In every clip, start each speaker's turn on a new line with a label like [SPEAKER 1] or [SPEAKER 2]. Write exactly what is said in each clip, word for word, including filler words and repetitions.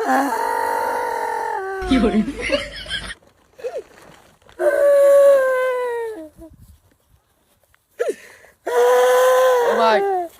[SPEAKER 1] কি করে
[SPEAKER 2] ও ভাই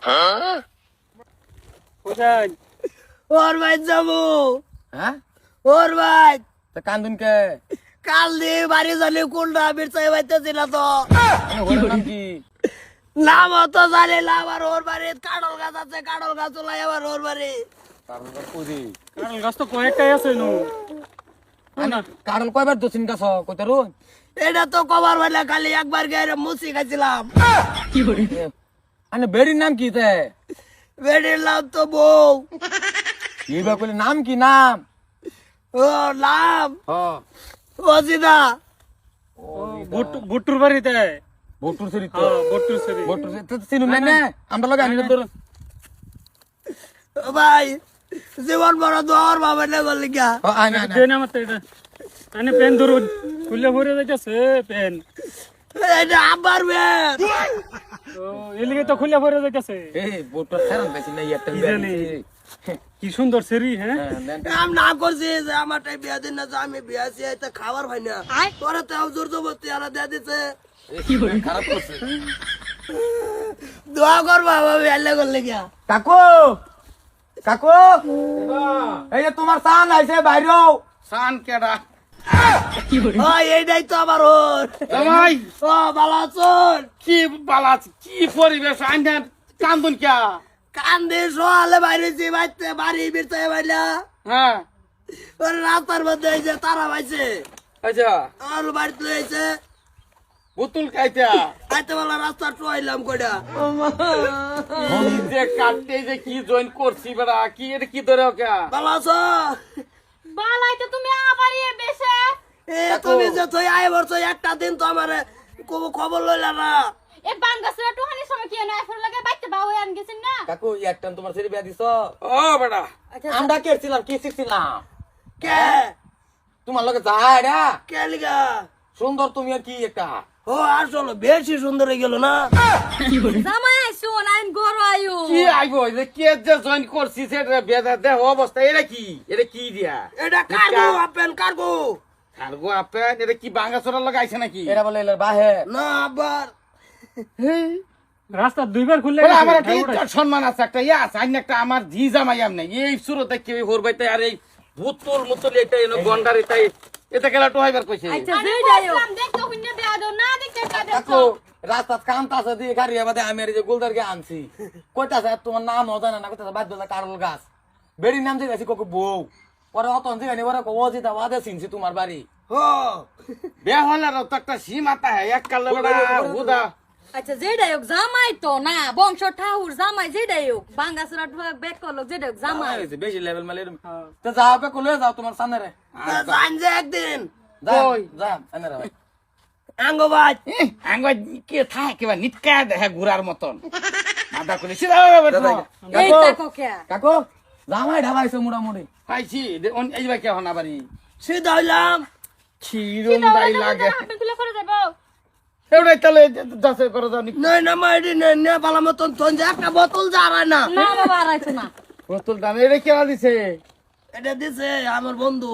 [SPEAKER 3] কোথায়
[SPEAKER 4] ওর ভাই যাবো
[SPEAKER 2] হ্যাঁ
[SPEAKER 4] ওর ভাই
[SPEAKER 2] তা কান্দুন কে
[SPEAKER 4] কাল দিয়ে বাড়ি জানি কোনটা বিরসাই বাইতেছি না তো
[SPEAKER 2] ওর নাম কি
[SPEAKER 4] নাম তো জানি না আবার ওর বাড়ি কাঁড়ল গাছ আছে কাঁড়ল গাছ চলাই আবার ওর বাড়ি
[SPEAKER 2] কারণ কইদি
[SPEAKER 3] কারণ গাছ তো কয়েকটাই আছে নু
[SPEAKER 2] কারণ কয়বার দছিন গাছ কইতে রুন
[SPEAKER 4] এটা তো কবার বেলা খালি একবার গিয়ে মুসি খাইছিলাম
[SPEAKER 1] কি করে
[SPEAKER 2] আনে বেড়ির নাম কি তে
[SPEAKER 4] বেডির নাম তো বউ
[SPEAKER 2] কি বা কইলে নাম কি নাম
[SPEAKER 4] ও নাম
[SPEAKER 2] হ্যাঁ
[SPEAKER 4] অজিদা
[SPEAKER 3] বুট্টুর বাড়িতে
[SPEAKER 2] বটুর সরি তো
[SPEAKER 3] হ্যাঁ বুট্টুর সরি
[SPEAKER 2] বটুর তো চিনু না না আমরা লগে আনি ধর
[SPEAKER 4] ও ভাই জীবন বড় দর বাবা নে বলি গা
[SPEAKER 2] আনি আনি
[SPEAKER 3] দেন আমার এটা আনে পেন ধরুন খুলে ভরে যাইতেছে পেন
[SPEAKER 4] এটা আবার মেয়ে
[SPEAKER 3] ও এলিগে তো খুলে ভরে যাইতেছে
[SPEAKER 2] এই বটুর ছাড়ন বেশি নাই একটা
[SPEAKER 3] কি জানি? কি সুন্দর সেরি হ্যাঁ
[SPEAKER 4] আমি না করছি যে আমারটাই বিয়া দিন না যে আমি বিয়া আছি এটা খাবার হয় না তোরা তো জোর জবরদস্তি আলা দিয়ে দিছে
[SPEAKER 1] কি করে
[SPEAKER 2] খারাপ করছে
[SPEAKER 4] দোয়া কর বাবা বেলে করলে গিয়া
[SPEAKER 2] কাকু কাকু এই যে তোমার সান আইছে বাইরেও
[SPEAKER 5] সান কেডা
[SPEAKER 1] কি করে
[SPEAKER 4] ও এইটাই তো আমার ওর
[SPEAKER 5] জামাই
[SPEAKER 4] ও ভালো আছোন
[SPEAKER 5] কি বালা কি পরিবেশ আইনা কান্দুন কে
[SPEAKER 4] কান্দে সোয়ালে বাইরেছি বাইতে বাড়ি বিরতে বাইলা
[SPEAKER 5] হ্যাঁ
[SPEAKER 4] ওর রাস্তার মধ্যে এই যে তারা পাইছে
[SPEAKER 5] আচ্ছা
[SPEAKER 4] আর বাড়িতে লইছে
[SPEAKER 5] বুতুল খাইতা
[SPEAKER 4] আইতে বলা রাস্তা টুয়াইলাম কইডা
[SPEAKER 5] যে কাটতে যে কি জয়েন করছি বেড়া কি এটা কি ধরে ওকে
[SPEAKER 4] ভালো আছো
[SPEAKER 6] বালাই তো তুমি আবারই বেশে
[SPEAKER 4] এ তুমি যে তুই আয় বলছো একটা দিন তো আমার কোনো খবর লইলা না
[SPEAKER 6] এ বাঙ্গাসরা টুহানি সময় কি না এফর লাগে বাইতে বাও আন গেছেন না
[SPEAKER 2] কাকু একটা তোমার ছেলে বিয়া দিছ
[SPEAKER 5] ও বেড়া
[SPEAKER 2] আমরা কেছিলাম কি শিখছিলাম
[SPEAKER 4] কে
[SPEAKER 2] তোমার লগে যায় রা
[SPEAKER 4] কে লিগা
[SPEAKER 2] সুন্দর তুমি আর কি একটা
[SPEAKER 4] ও আসলে বেশি সুন্দর হয়ে গেল না
[SPEAKER 1] কি করে
[SPEAKER 6] জামাই আইছো আইন গরো আয়ো
[SPEAKER 5] কি আইবো যে কে যে জয়েন করছি সেটা বেদা দেহ অবস্থা এটা কি এটা কি দিয়া
[SPEAKER 4] এটা কার্গো আপেন কার্গো
[SPEAKER 5] কার্গো আপেন এটা কি বাঙ্গাসরা লাগাইছে নাকি
[SPEAKER 2] এরা বলে এলার বাহে
[SPEAKER 4] না আবার
[SPEAKER 3] রাস্তা দুইবার খুললে
[SPEAKER 5] বলে আমার একটা ইজ্জত সম্মান আছে একটা ইয়া আছে আইন একটা আমার জি জামাই আমনে এই সুরতে কেউ হরবাইতে আর এই ভূতুল মুতুল এটা এনো গন্ডার এটা এটা কেলা তো হইবার কইছে
[SPEAKER 6] আচ্ছা যেইডাইও দেখতো হুন্নে বিয়া দাও না দেখতে কাদে
[SPEAKER 2] কাকু রাস্তা কামতাছে দিয়ে গাড়ি বাদে আমি আর এই যে গোলদারকে আনছি কইতাছে তোমার নাম জানা না কইতাছে বাদ দিলা কারল গাছ বেড়ির নাম জিগাছি কোকো বউ ওরা অত জিগানি ওরা কো ওজিতা ওয়াদে চিনছি তোমার বাড়ি
[SPEAKER 4] হো
[SPEAKER 5] বিয়া হলে তো একটা সীমাতা হ্যাঁ এক কাল বেড়া হুদা
[SPEAKER 6] আচ্ছা যেইডাইও জামাই তো না বংশ ঠাউর জামাই যেইডাইও বাঙ্গাসরা টুহা বেক করলো যেইডাইও জামাই
[SPEAKER 2] হয়েছে, বেশি লেভেল মালে তো যাও বে কোলে যাও তোমার সামনে রে
[SPEAKER 4] জান যে একদিন
[SPEAKER 2] যাও
[SPEAKER 5] কই?
[SPEAKER 2] যাও সামনে রে ভাই
[SPEAKER 4] আঙ্গো ভাই
[SPEAKER 5] আঙ্গ কে থাকে বা নিটকা দেখে ঘুরার মতন মাথা করে সিধা
[SPEAKER 6] এই
[SPEAKER 2] কাকু
[SPEAKER 6] তাকো কে
[SPEAKER 2] কাকু জামাই ঢাবাইছে মোটামুটি
[SPEAKER 5] পাইছি এই বা কে হনা বাড়ি
[SPEAKER 4] সিধা হইলাম
[SPEAKER 5] ছিরুম দাই লাগে
[SPEAKER 6] আপনি খুলে করে দেবো
[SPEAKER 5] এটাই তাহলে যাচাই করে দাও নি
[SPEAKER 4] নই না মাইডি নই না বালা মতন তোন যে একটা বোতল জারায় না
[SPEAKER 6] না বাবা আরাইছো না
[SPEAKER 5] বোতল দাম এটা কে দিছে
[SPEAKER 4] এটা দিছে আমার বন্ধু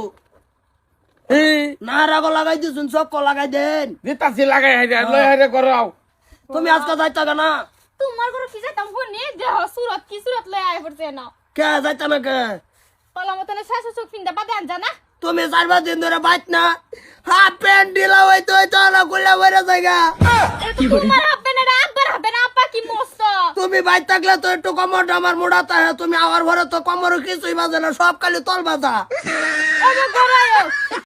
[SPEAKER 5] এই
[SPEAKER 4] না রাগো লাগাই দিছুন চক্ক লাগাই দেন
[SPEAKER 5] দিতাছি লাগাই হাইরে লই হাইরে করাও
[SPEAKER 4] তুমি আজকে যাইতা কেনা
[SPEAKER 6] তোমার ঘরে কি যাইতাম হুন্নি দেহ সুরত কি সুরত লই আই পড়ছে না
[SPEAKER 4] কে যাইতা না কে
[SPEAKER 6] পালা মতনে শাশু চোখ ফিন্দা বাদে আন জানা
[SPEAKER 4] তুমি চার পাঁচ দিন ধরে বাইত না হাফ প্যান্ট ঢিলা হইতো হইতো না খুললে বইরে জায়গা
[SPEAKER 6] তোমার হবে না আব্বার হবে না আপা কি মস্ত
[SPEAKER 4] তুমি বাইত থাকলে তো একটু কমরটা আমার মোড়াতে হয় তুমি আমার ঘরে তো কমর কিছুই বাজে না সব খালি তল বাজা
[SPEAKER 6] ওগো গরায়ও